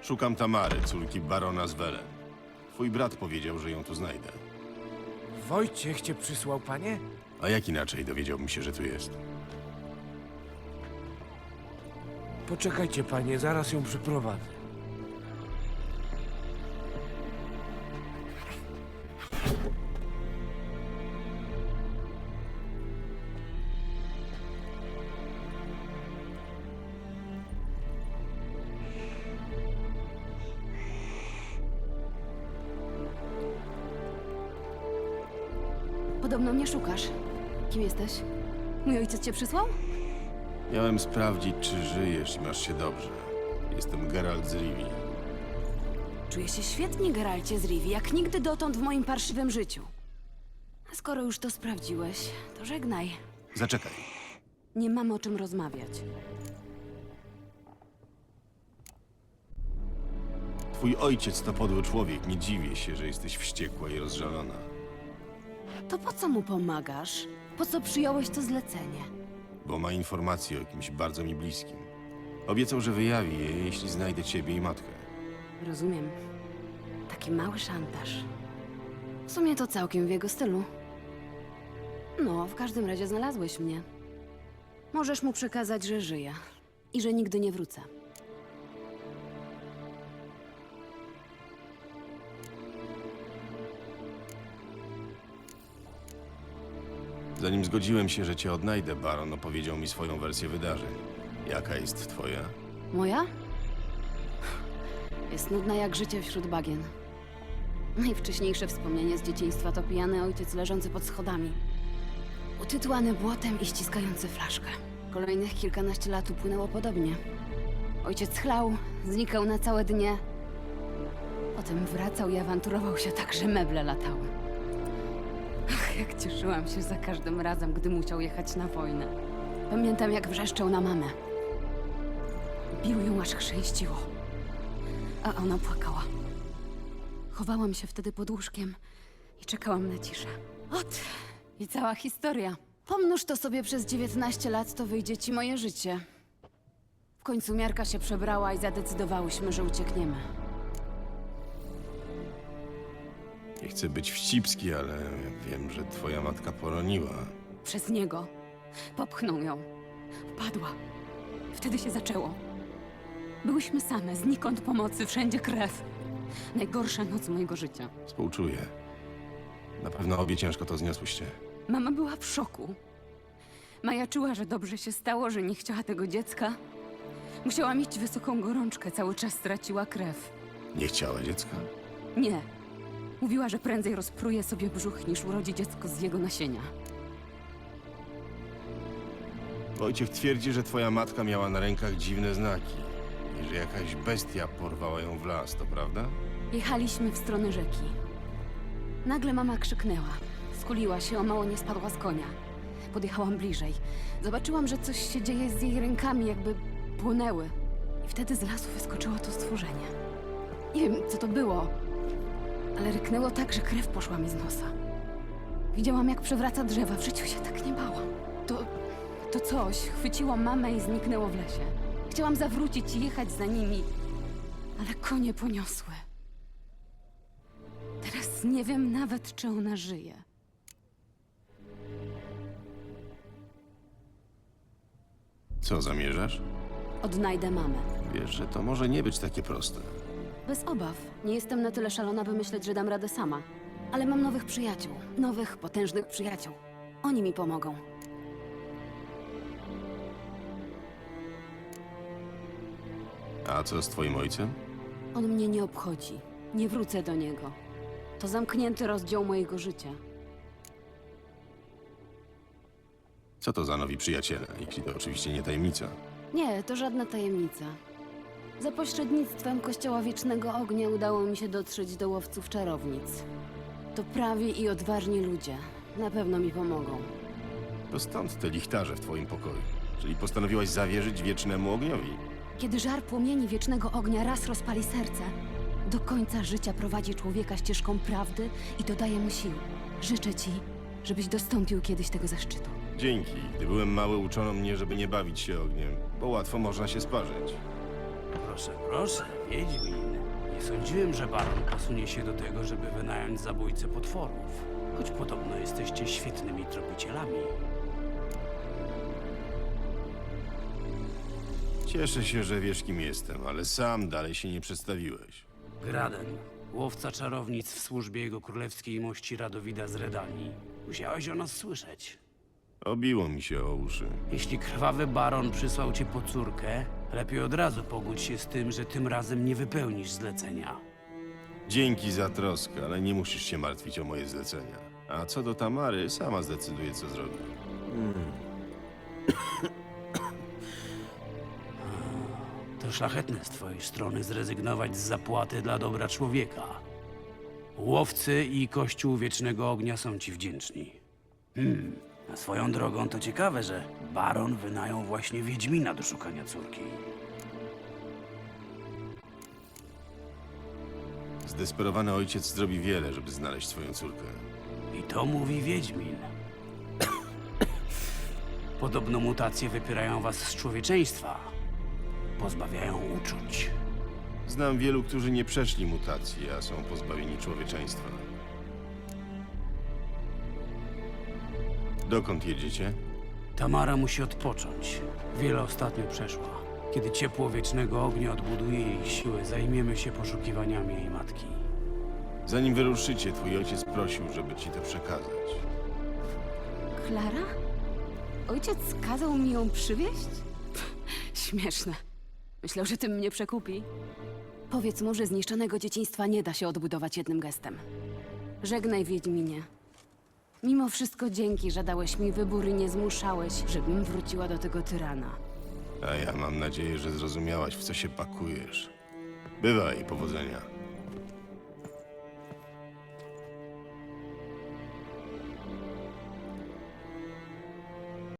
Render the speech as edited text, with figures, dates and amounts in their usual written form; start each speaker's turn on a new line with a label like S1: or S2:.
S1: Szukam Tamary, córki barona z Welen. Twój brat powiedział, że ją tu znajdę.
S2: Wojciech cię przysłał, panie?
S1: A jak inaczej dowiedziałbym się, że tu jest?
S2: Poczekajcie, panie, zaraz ją przyprowadzę.
S3: Podobno mnie szukasz. Kim jesteś? Mój ojciec cię przysłał?
S1: Miałem sprawdzić, czy żyjesz i masz się dobrze. Jestem Geralt z Rivii.
S3: Czuję się świetnie, Geralcie z Rivii, jak nigdy dotąd w moim parszywym życiu. A skoro już to sprawdziłeś, to żegnaj.
S1: Zaczekaj.
S3: Nie mamy o czym rozmawiać.
S1: Twój ojciec to podły człowiek. Nie dziwię się, że jesteś wściekła i rozżalona.
S3: To po co mu pomagasz? Po co przyjąłeś to zlecenie?
S1: Bo ma informacje o kimś bardzo mi bliskim. Obiecał, że wyjawi je, jeśli znajdę ciebie i matkę.
S3: Rozumiem. Taki mały szantaż. W sumie to całkiem w jego stylu. No, w każdym razie znalazłeś mnie. Możesz mu przekazać, że żyję i że nigdy nie wrócę.
S1: Zanim zgodziłem się, że cię odnajdę, baron opowiedział mi swoją wersję wydarzeń. Jaka jest twoja?
S3: Moja? Jest nudna jak życie wśród bagien. Najwcześniejsze wspomnienie z dzieciństwa to pijany ojciec leżący pod schodami. Utytułany błotem i ściskający flaszkę. Kolejnych kilkanaście lat upłynęło podobnie. Ojciec chlał, znikał na całe dnie. Potem wracał i awanturował się tak, że meble latały. Ach, jak cieszyłam się za każdym razem, gdy musiał jechać na wojnę. Pamiętam, jak wrzeszczał na mamę. Bił ją, aż chrzęściło. A ona płakała. Chowałam się wtedy pod łóżkiem i czekałam na ciszę. Ot, i cała historia. Pomnóż to sobie przez 19 lat, to wyjdzie ci moje życie. W końcu miarka się przebrała i zadecydowałyśmy, że uciekniemy.
S1: Nie chcę być wścibski, ale wiem, że twoja matka poroniła.
S3: Przez niego. Popchnął ją. Upadła. Wtedy się zaczęło. Byłyśmy same, znikąd pomocy, wszędzie krew. Najgorsza noc mojego życia.
S1: Współczuję. Na pewno obie ciężko to zniosłyście.
S3: Mama była w szoku. Majaczyła, że dobrze się stało, że nie chciała tego dziecka. Musiała mieć wysoką gorączkę, cały czas straciła krew.
S1: Nie chciała dziecka?
S3: Nie. Mówiła, że prędzej rozpruje sobie brzuch, niż urodzi dziecko z jego nasienia.
S1: Wojciech twierdzi, że twoja matka miała na rękach dziwne znaki i że jakaś bestia porwała ją w las, to prawda?
S3: Jechaliśmy w stronę rzeki. Nagle mama krzyknęła. Skuliła się, o mało nie spadła z konia. Podjechałam bliżej. Zobaczyłam, że coś się dzieje z jej rękami, jakby płonęły. I wtedy z lasu wyskoczyło to stworzenie. Nie wiem, co to było, ale ryknęło tak, że krew poszła mi z nosa. Widziałam, jak przewraca drzewa. W życiu się tak nie bałam. To coś chwyciło mamę i zniknęło w lesie. Chciałam zawrócić i jechać za nimi, ale konie poniosły. Teraz nie wiem nawet, czy ona żyje.
S1: Co zamierzasz?
S3: Odnajdę mamę.
S1: Wiesz, że to może nie być takie proste.
S3: Bez obaw. Nie jestem na tyle szalona, by myśleć, że dam radę sama. Ale mam nowych przyjaciół. Nowych, potężnych przyjaciół. Oni mi pomogą.
S1: A co z twoim ojcem?
S3: On mnie nie obchodzi. Nie wrócę do niego. To zamknięty rozdział mojego życia.
S1: Co to za nowi przyjaciele, jeśli to oczywiście nie tajemnica?
S3: Nie, to żadna tajemnica. Za pośrednictwem Kościoła Wiecznego Ognia udało mi się dotrzeć do łowców czarownic. To prawi i odważni ludzie. Na pewno mi pomogą.
S1: To stąd te lichtarze w twoim pokoju. Czyli postanowiłaś zawierzyć wiecznemu ogniowi.
S3: Kiedy żar płomieni Wiecznego Ognia raz rozpali serce, do końca życia prowadzi człowieka ścieżką prawdy i dodaje mu sił. Życzę ci, żebyś dostąpił kiedyś tego zaszczytu.
S1: Dzięki. Gdy byłem mały, uczono mnie, żeby nie bawić się ogniem, bo łatwo można się sparzyć.
S4: Proszę, proszę, Wiedźmin. Nie sądziłem, że baron posunie się do tego, żeby wynająć zabójcę potworów. Choć podobno jesteście świetnymi tropicielami.
S1: Cieszę się, że wiesz, kim jestem, ale sam dalej się nie przedstawiłeś.
S4: Graden, łowca czarownic w służbie jego królewskiej mości Radowida z Redanii. Musiałeś o nas słyszeć.
S1: Obiło mi się o uszy.
S4: Jeśli krwawy baron przysłał cię po córkę, lepiej od razu pogódź się z tym, że tym razem nie wypełnisz zlecenia.
S1: Dzięki za troskę, ale nie musisz się martwić o moje zlecenia. A co do Tamary, sama zdecyduje, co zrobi.
S4: To szlachetne z twojej strony zrezygnować z zapłaty dla dobra człowieka. Łowcy i Kościół Wiecznego Ognia są ci wdzięczni. A swoją drogą to ciekawe, że baron wynajął właśnie Wiedźmina do szukania córki.
S1: Zdesperowany ojciec zrobi wiele, żeby znaleźć swoją córkę.
S4: I to mówi Wiedźmin. Podobno mutacje wypierają was z człowieczeństwa. Pozbawiają uczuć.
S1: Znam wielu, którzy nie przeszli mutacji, a są pozbawieni człowieczeństwa. Dokąd jedziecie?
S4: Tamara musi odpocząć. Wiele ostatnio przeszła. Kiedy ciepło Wiecznego Ognia odbuduje jej siłę, zajmiemy się poszukiwaniami jej matki.
S1: Zanim wyruszycie, twój ojciec prosił, żeby ci to przekazać.
S3: Klara? Ojciec kazał mi ją przywieźć? Śmieszne. Myślał, że tym mnie przekupi. Powiedz mu, że zniszczonego dzieciństwa nie da się odbudować jednym gestem. Żegnaj, Wiedźminie. Mimo wszystko dzięki, że dałeś mi wybór i nie zmuszałeś, żebym wróciła do tego tyrana.
S1: A ja mam nadzieję, że zrozumiałaś, w co się pakujesz. Bywaj, powodzenia.